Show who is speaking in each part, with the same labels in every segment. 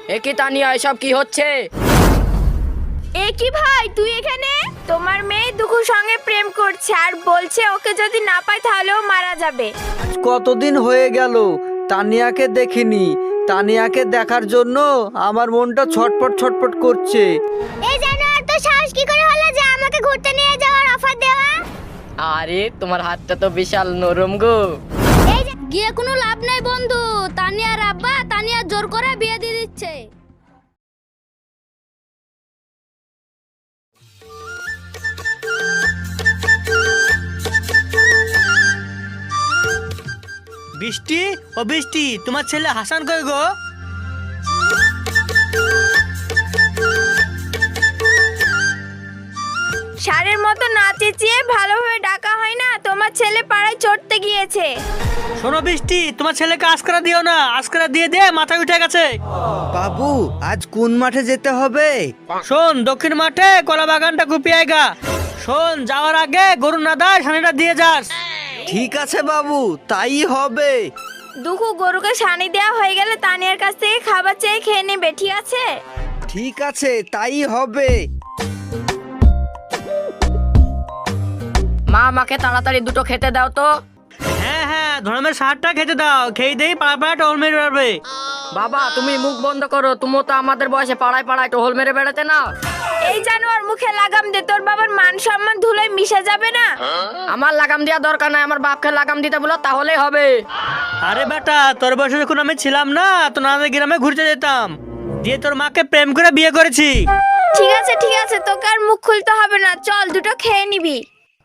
Speaker 1: একই তানিয়া, এসব কি হচ্ছে?
Speaker 2: এ কি ভাই, তুই এখানে? তোমার মেয়ে দুখুর সঙ্গে প্রেম করছে আর বলছে ওকে যদি না পায় তাহলেও মারা যাবে।
Speaker 3: কতদিন হয়ে গেল তানিয়াকে দেখিনি। তানিয়াকে দেখার জন্য আমার মনটা ছটফট ছটফট করছে।
Speaker 2: এই জানোয়ার, তো সাহস কি করে হলো যে আমাকে ঘুরতে নিয়ে যাওয়ার অফার দেওয়া?
Speaker 1: আরে তোমার হাতটা তো বিশাল নরম গো।
Speaker 4: গিয়ে কোনো লাভ নাই বন্ধু, তানিয়ার আব্বা তানিয়ার জোর করে বিয়ে দিয়ে দিচ্ছে।
Speaker 5: বৃষ্টি, ও বৃষ্টি, তোমার ছেলে হাসান কই গো?
Speaker 2: সারের মতো না চেঁচিয়ে ভালোভাবে ডাকা হয় না? তোমার ছেলে পাড়ায় চড়তে গিয়েছে।
Speaker 5: শোনো বৃষ্টি, তোমার ছেলেকে আজকারা দিও না, আজকারা দিয়ে দে মাথায় উঠে গেছে।
Speaker 3: বাবু, আজ কোন মাঠে যেতে হবে?
Speaker 5: শোন, দক্ষিণ মাঠে কলা বাগানটা কুপিয়ে গা। শোন, যাওয়ার আগে গরু না দায় সানিটা দিয়ে যাস।
Speaker 3: ঠিক আছে বাবু, তাই হবে।
Speaker 2: দুখু, গরুকে সানি দেওয়া হয়ে গেলে তানিয়ার কাছ থেকে খাবার চেয়ে খেয়ে নেবে, ঠিক আছে?
Speaker 3: ঠিক আছে, তাই হবে।
Speaker 1: মা, আমাকে তাড়াতাড়ি দুটো খেতে দাও তো।
Speaker 5: হ্যাঁ হ্যাঁ, ধর্মের সারটা খেতে দাও, খেয়ে দেই পাড়া পাড়া টল মেরে বেড়াবে।
Speaker 1: বাবা, তুমি মুখ বন্ধ করো, তুমিও তো আমাদের বয়সে পাড়ায় পাড়ায় টহল মেরে বেড়াতে না।
Speaker 2: এই জানোয়ার, মুখে লাগাম দে, তোর বাবার মান সম্মান ধুলোয় মিশে যাবে না?
Speaker 1: আমার লাগাম দেওয়া দরকার নাই, আমার বাপকে লাগাম দিতে বলো তাহলেই হবে।
Speaker 5: আরে বেটা, তোর বয়সে যখন আমি ছিলাম না, তো নানাদের গ্রামে ঘুরতে যেতাম, দিয়ে তোর মাকে প্রেম করে বিয়ে করেছি।
Speaker 2: ঠিক আছে ঠিক আছে, তোকে আর মুখ খুলতে হবে না, চল দুটো খেয়ে নিবি।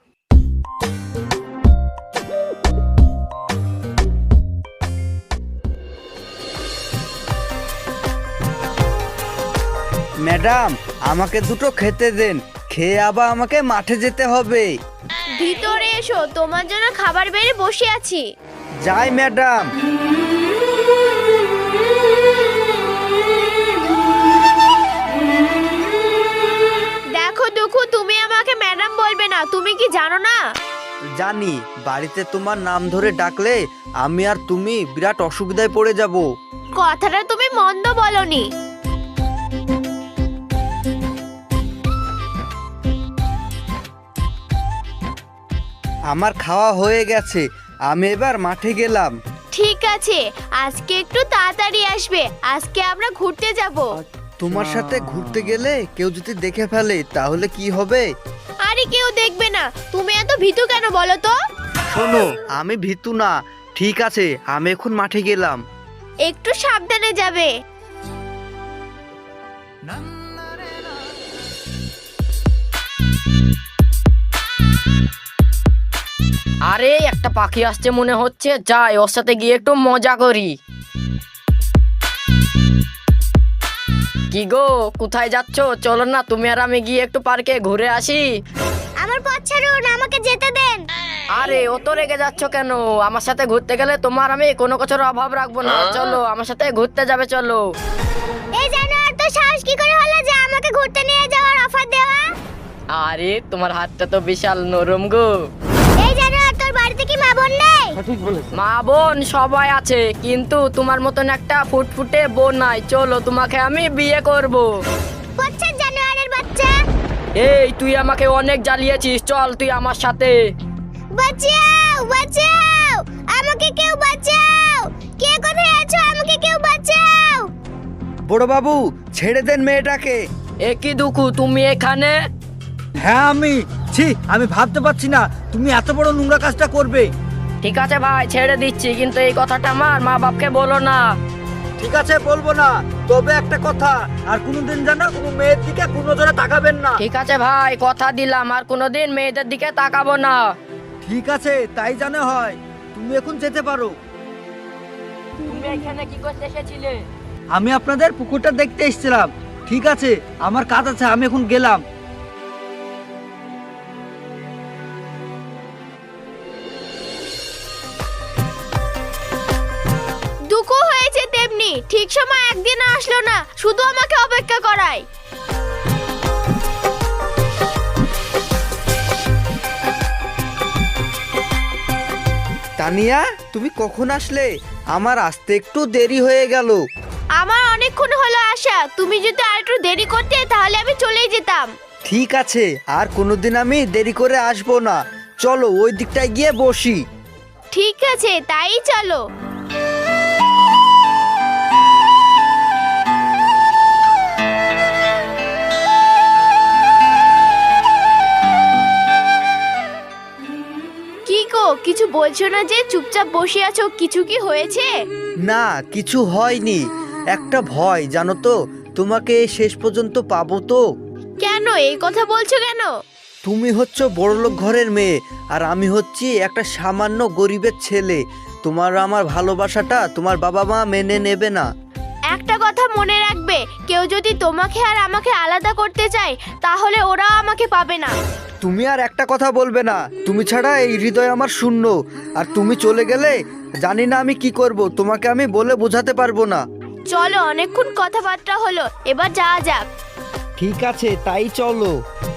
Speaker 3: ম্যাডাম, আমাকে দুটো খেতে দেন, খেয়ে আবার আমাকে মাঠে যেতে হবে।
Speaker 2: ভিতরে এসো, তোমার জন্য খাবার বেড়ে বসে আছি।
Speaker 3: যাই ম্যাডাম।
Speaker 2: দেখো দুখু, তুমি আমাকে ম্যাডাম বলবে না, তুমি কি জানো না?
Speaker 3: জানি, বাড়িতে তোমার নাম ধরে ডাকলে আমি আর তুমি বিরাট অসুবিধায় পড়ে যাব।
Speaker 2: কথাটা তুমি মন্দ বলনি।
Speaker 3: আমার খাওয়া হয়ে গেছে, আমি এবার মাঠে গেলাম।
Speaker 2: ঠিক আছে, আজকে একটু তাড়াতাড়ি আসবে, আজকে আমরা ঘুরতে যাব।
Speaker 3: তোমার সাথে ঘুরতে গেলে কেউ যদি দেখে ফেলে তাহলে কি হবে?
Speaker 2: আরে কেউ দেখবে না, তুমি এত ভীতু কেন বলো তো?
Speaker 3: শোনো, আমি ভীতু না। ঠিক আছে, আমি এখন মাঠে গেলাম।
Speaker 2: একটু সাবধানে যাবে।
Speaker 1: আরে একটা পাখি আসছে মনে হচ্ছে, যাই ওর সাথে গিয়ে একটু মজা করি। কি গো, কোথায় যাচ্ছ? চলো না তুমি আর আমি গিয়ে একটু পার্কে ঘুরে আসি।
Speaker 2: আমার পথ ছাড়ুন, আমাকে যেতে দেন।
Speaker 1: আরে অত রেগে যাচ্ছ কেন? আমার সাথে ঘুরতে গেলে তোমার আমি কোনো কিছুর অভাব রাখবো না। চলো আমার সাথে ঘুরতে যাবে, চলো।
Speaker 2: এই জানোয়ার, তো সাহস কি করে হলো যে আমাকে ঘুরতে নিয়ে যাওয়ার অফার দেওয়া?
Speaker 1: আরে তোমার হাতটা তো বিশাল নরম গো।
Speaker 2: এই জানোয়ার, তোর বাড়িতে কি মা বোন নেই?
Speaker 1: মা বোন সবাই আছে, কিন্তু তোমার মতন একটা ফুটফুটে বোন নাই। চলো তোমাকে আমি বিয়ে করব।
Speaker 2: বচ্চা জানোয়ারের বাচ্চা।
Speaker 1: এই তুই আমাকে অনেক জ্বালিয়েছিস, চল তুই আমার সাথে।
Speaker 2: বাঁচাও বাঁচাও, আমাকে কেউ বাঁচাও। কে কোথায় আছো? আমাকে কেউ বাঁচাও।
Speaker 3: বড় বাবু, ছেড়ে দেন মেয়েটাকে।
Speaker 1: এ কি দুঃখু, তুমি এখানে?
Speaker 6: হ্যাঁ আমি আমি ভাবতে পারছি না তুমি এত বড় নোংরা কাজটা করবে।
Speaker 1: ঠিক আছে ভাই, ছেড়ে দিচ্ছি, কিন্তু এই কথাটা আমার মা বাপকে বলো না।
Speaker 6: ঠিক আছে, বলবো না, তবে একটা কথা, আর কোনোদিন যেন কোনো মেয়ের দিকে কোনো নজরে তাকাবেন না।
Speaker 1: ঠিক আছে ভাই, কথা দিলাম আর কোনোদিন মেয়েদের দিকে তাকাবো না।
Speaker 6: ঠিক আছে, তাই জানে হয়। তুমি এখন যেতে পারো।
Speaker 1: তুমি এখানে কি করতে এসেছিলে?
Speaker 6: আমি আপনাদের পুকুরটা দেখতে এসেছিলাম। ঠিক আছে, আমার কাজ আছে, আমি এখন গেলাম।
Speaker 2: দুঃখ হয়েছে তেমনি, ঠিক সময় একদিন আসলো না, শুধু আমাকে অপেক্ষা করায়।
Speaker 3: তানিয়া, তুমি কখন আসলে? আমার আসতে একটু দেরি হয়ে গেল।
Speaker 2: আমার অনেকক্ষণ হলো আসা, তুমি যদি আর একটু দেরি করতে তাহলে আমি চলেই যেতাম।
Speaker 3: ঠিক আছে, আর কোনোদিন আমি দেরি করে আসবো না। চলো ওই দিকটায় গিয়ে বসি।
Speaker 2: ঠিক আছে, তাই চলো। কি গো, কিছু বলছো না যে? চুপচাপ বসে আছো, কিছু কি হয়েছে?
Speaker 3: না, কিছু হয়নি। একটা ভয় জানো তো, তোমাকে শেষ পর্যন্ত পাবো তো।
Speaker 2: কেন এই কথা বলছো কেন?
Speaker 3: তুমি হচ্ছ বড়লোক ঘরের মেয়ে, আর আমি হচ্ছি একটা সামান্য গরিবের ছেলে। তোমার আমার ভালোবাসাটা তোমার বাবা মা মেনে নেবে না।
Speaker 2: একটা কথা মনে রাখবে, কেউ যদি তোমাকে আর আমাকে আলাদা করতে চায় তাহলে ওরা আমাকে পাবে না।
Speaker 3: তুমি আর একটা কথা বলবে না। তুমি ছাড়া এই হৃদয় আমার শূন্য। আর তুমি চলে গেলে জানি না আমি কি করব, তোমাকে আমি বলে বোঝাতে পারবো না।
Speaker 2: চলো, অনেকক্ষণ কথাবার্তা হলো, এবার যাওয়া যাক।
Speaker 3: ঠিক আছে, তাই চলো।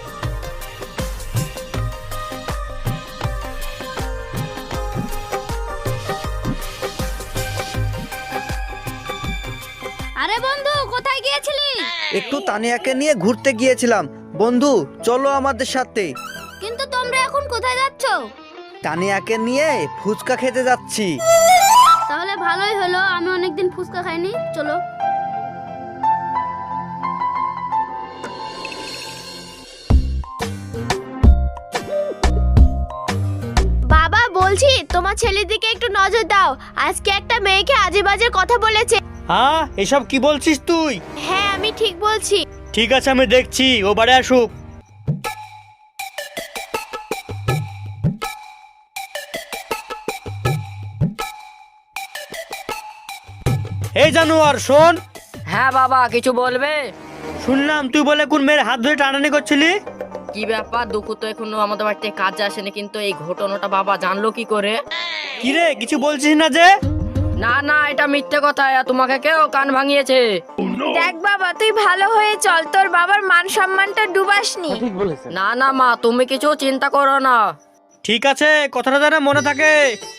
Speaker 4: আরে বন্ধু, কোথায় গিয়েছিলি?
Speaker 3: একটু তানিয়াকে নিয়ে ঘুরতে গিয়েছিলাম। বন্ধু চলো আমাদের সাথে।
Speaker 4: কিন্তু তোমরা এখন কোথায় যাচ্ছ?
Speaker 3: তানিয়াকে নিয়ে ফুচকা খেতে যাচ্ছি।
Speaker 4: তাহলে ভালোই হলো, আমি অনেকদিন ফুচকা খাইনি, চলো।
Speaker 2: বাবা, বলছি তোমার ছেলের দিকে একটু নজর দাও, আজকে একটা মেয়েকে আজে বাজে কথা বলেছে।
Speaker 5: হ্যাঁ, এসব কি বলছিস তুই?
Speaker 2: হ্যাঁ, আমি ঠিক বলছি।
Speaker 5: ঠিক আছে, আমি দেখছি, ও বাড়ি আসুক। এই জানোয়ার, শোন।
Speaker 1: হ্যাঁ বাবা, কিছু বলবে?
Speaker 5: শুনলাম তুই বলে কোন মেয়ের হাত ধরে টানাটানি করছিলি।
Speaker 1: কি ব্যাপার? দুঃখ তো এখনো আমাদের বাড়িতে কাজে আসেনি, কিন্তু এই ঘটনাটা বাবা জানলো কি করে?
Speaker 5: কি রে, কিছু বলছিস না যে?
Speaker 1: না না, এটা মিথ্যে কথা। তোমাকে কেউ কান ভাঙিয়েছে।
Speaker 2: দেখ বাবা, তুই ভালো হয়ে চল, তোর বাবার মান সম্মানটা ডুবাসনি।
Speaker 1: না না মা, তুমি কিছু চিন্তা করো না।
Speaker 5: ঠিক আছে, কথাটা যেন মনে থাকে।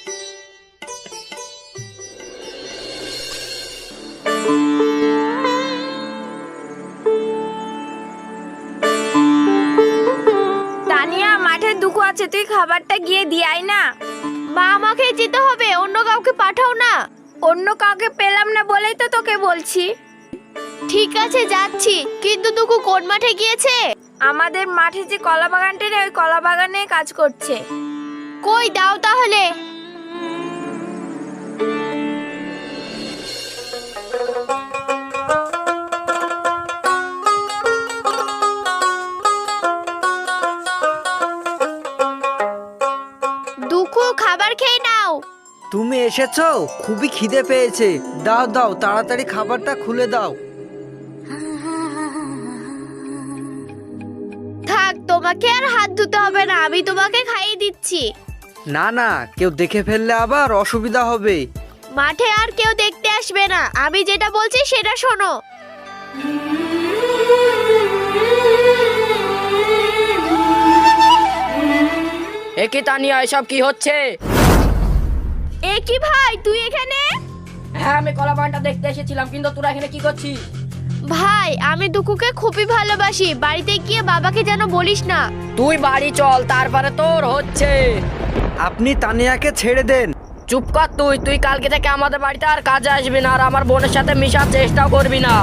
Speaker 2: তানিয়া, মাঠে দুঃখ আছে, তুই খাবারটা গিয়ে দিয়ে আয় না। মা, আমাকে যেতে হবে, অন্য কাউকে পাঠাও না। অন্য কাউকে পেলাম না বলেই তো তোকে বলছি। ঠিক আছে, যাচ্ছি, কিন্তু দুকু কোন মাঠে গিয়েছে? আমাদের মাঠে যে কলা বাগানটা নেই, ওই কলা বাগানে কাজ করছে। কই, দাও তাহলে। দুকু, খাবার খেয়ে নাও।
Speaker 3: তুমি এসেছো? খুবই খিদে পেয়েছে। দাও দাও, তাড়াতাড়ি খাবারটা খুলে দাও।
Speaker 2: থাক, তোমাকে আর হাত ধুতে হবে না, আমি তোমাকে খাইয়ে দিচ্ছি।
Speaker 3: না না, কেউ দেখে ফেললে আবার অসুবিধা হবে।
Speaker 2: মাঠে আর কেউ দেখতে আসবে না, আমি যেটা বলছি সেটা শোনো।
Speaker 1: এ কি তানিয়া, এসব কি হচ্ছে?
Speaker 2: এ কি ভাই, তুই এখানে?
Speaker 1: হ্যাঁ, আমি কলা বাগানটা দেখতে এসেছিলাম, কিন্তু তোরা এখানে কি করছিস?
Speaker 2: ভাই, আমি দুকুকে খুবই ভালোবাসি, বাড়িতে গিয়ে বাবাকে যেন বলিস না।
Speaker 1: তুই বাড়ি চল, তারপরে তোর হচ্ছে।
Speaker 3: আপনি তানিয়াকে ছেড়ে দেন।
Speaker 1: চুপ কর তুই। তুই কালকে থেকে আমাদের বাড়িতে আর কাজে আসবি না, আর আমার বোনের সাথে মিশার চেষ্টাও করবি না।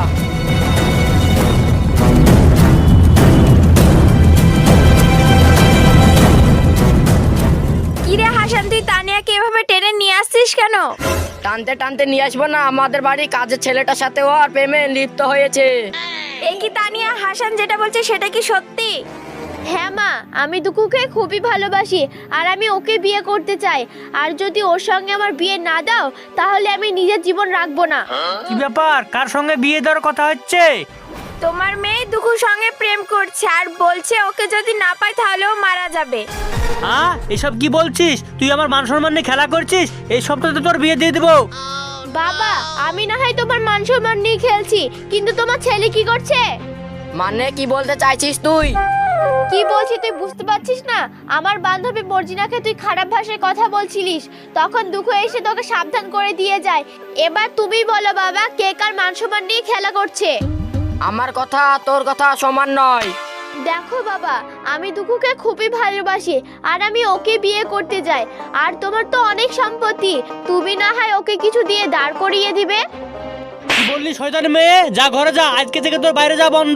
Speaker 2: কিরে হাসান, তুই তানিয়াকে এভাবে টেনে নিয়ে আসছিস কেন?
Speaker 1: টানতে টানতে নিয়ে আসবো না, আমাদের বাড়ি কাজের ছেলেটার সাথে ও আর প্রেমে লিপ্ত হয়েছে।
Speaker 2: এ কি তানিয়া, হাসান যেটা বলছে সেটা কি সত্যি? হ্যাঁ মা, আমি দুকুকে খুবই ভালোবাসি, আর আমি ওকে বিয়ে করতে চাই। আর যদি ওর সঙ্গে আমার বিয়ে না দাও, তাহলে আমি নিজের জীবন রাখবো না।
Speaker 5: কি ব্যাপার, কার সঙ্গে বিয়ে দেওয়ার কথা হচ্ছে?
Speaker 2: তোমার মেয়ে দুকুর সঙ্গে প্রেম করছে, আর বলছে ওকে যদি না পায় তাহলে ও মারা যাবে।
Speaker 5: হ্যাঁ, এসব কি বলছিস? তুই আমার মান সম্মান নিয়ে খেলা করছিস? এই সপ্তাহে তোর বিয়ে দিয়ে দেবো।
Speaker 2: বাবা, আমি না হয় তোমার মান সম্মান নিয়ে খেলছি, কিন্তু তোমার ছেলে কি করছে?
Speaker 1: মানে কি বলতে চাইছিস তুই?
Speaker 2: কি বলছি তুই বুঝতে পারছিস না? আমার বান্ধবী মর্জিনাকে তুই খারাপ ভাষায় কথা বলছিলিস, তখন দুঃখ এসে তোকে সাবধান করে দিয়ে যায়। এবার তুমি বলো বাবা, কে কার মান সম্মান নিয়ে খেলা করছে?
Speaker 1: আমার কথা তোর কথা সমান নয়।
Speaker 2: দেখো বাবা, আমি দুঃখকে খুবই ভালোবাসি আর আমি ওকে বিয়ে করতে যাই। আর তোমার তো অনেক সম্পত্তি, তুমি না হয় ওকে কিছু দিয়ে দাঁড় করিয়ে দিবে।
Speaker 5: কি বললি শয়তান মেয়ে? যা ঘরে যা, আজকে থেকে তোর বাইরে যা বন্ধ।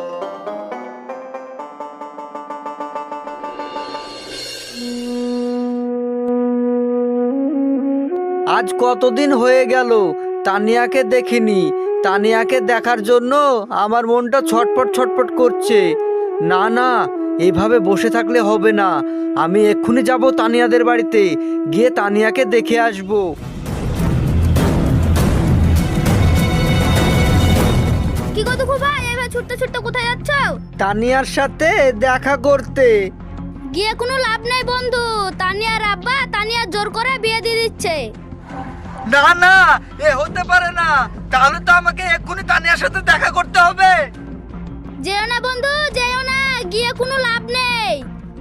Speaker 3: আজ কতদিন হয়ে গেল তানিয়াকে দেখিনি। তানিয়াকে দেখার জন্য আমার মনটা ছটফট ছটফট করছে। না না, এইভাবে বসে থাকলে হবে না। আমি এক্ষুনি যাব তানিয়াদের বাড়িতে, গিয়ে তানিয়াকে দেখে আসব।
Speaker 4: কি গো দুঃখু ভাই, এবার ছুটতে ছুটতে কোথায় যাচ্ছ?
Speaker 3: তানিয়ার সাথে দেখা করতে।
Speaker 4: গিয়ে কোনো লাভ নাই বন্ধু, তানিয়ার আব্বা তানিয়ার জোর করে বিয়ে দিয়ে দিচ্ছে।
Speaker 3: না না, এ হতে পারে না। তাহলে তো আমাকে এক্ষুনি তানিয়ার সাথে দেখা করতে হবে।
Speaker 4: যেও না বন্ধু, যেও না, গিয়ে কোনো লাভ নেই।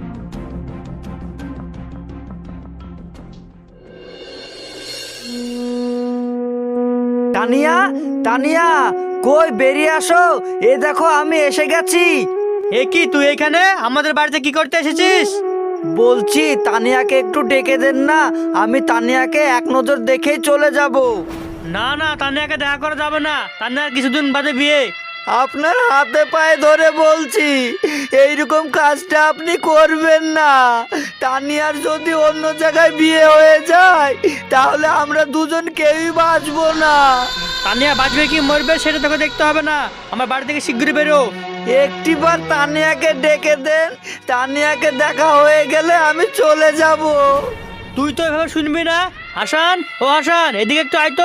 Speaker 3: তানিয়া, তানিয়া, কই বেরিয়ে আসো। এ দেখো আমি এসে গেছি।
Speaker 5: এ কি তুই এখানে আমাদের বাড়িতে কি করতে এসেছিস?
Speaker 3: বলছি তানিয়াকে একটু ডেকে দেন না, আমি তানিয়াকে এক নজর দেখেই চলে যাব।
Speaker 5: না না, তানিয়াকে দেখা করা যাবে না, তানিয়ার কিছুদিন বাদে বিয়ে।
Speaker 3: আপনার হাতে পায়ে ধরে বলছি, এইরকম কাজটা আপনি করবেন না। তানিয়ার যদি অন্য জায়গায় বিয়ে হয়ে যায়, তাহলে আমরা দুজন কেউই বাঁচবো না।
Speaker 5: তানিয়া বাঁচবে কি মরবে সেটা তোকে দেখতে হবে না, আমার বাড়ি থেকে শিগগিরই বেরো।
Speaker 3: একটিবার তানিয়াকে ডেকে দেন, তানিয়াকে দেখা হয়ে গেলে আমি চলে যাব।
Speaker 5: তুই তো এভাবে শুনবি না। হাসান, ও হাসান, এদিকে একটু আয় তো।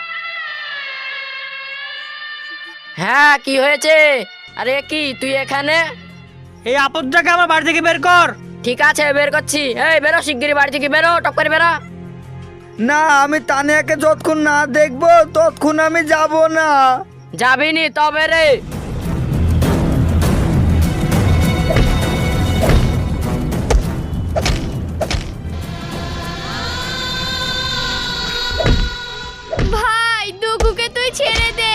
Speaker 1: হ্যাঁ, কি হয়েছে? আরে কি তুই এখানে?
Speaker 5: এই আপদটাকে আমার বাড়ি থেকে বের কর।
Speaker 1: ঠিক আছে, বের করছি। এই বেরো শিগগিরই বাড়ি থেকে, বেরো, টপ করে বেরো।
Speaker 3: না, আমি তানিয়াকে যতক্ষণ না দেখবো ততক্ষণ আমি যাব না।
Speaker 1: যাবি নি তবে রে।
Speaker 2: ভাই দুঃখকে তুই ছেড়ে দে,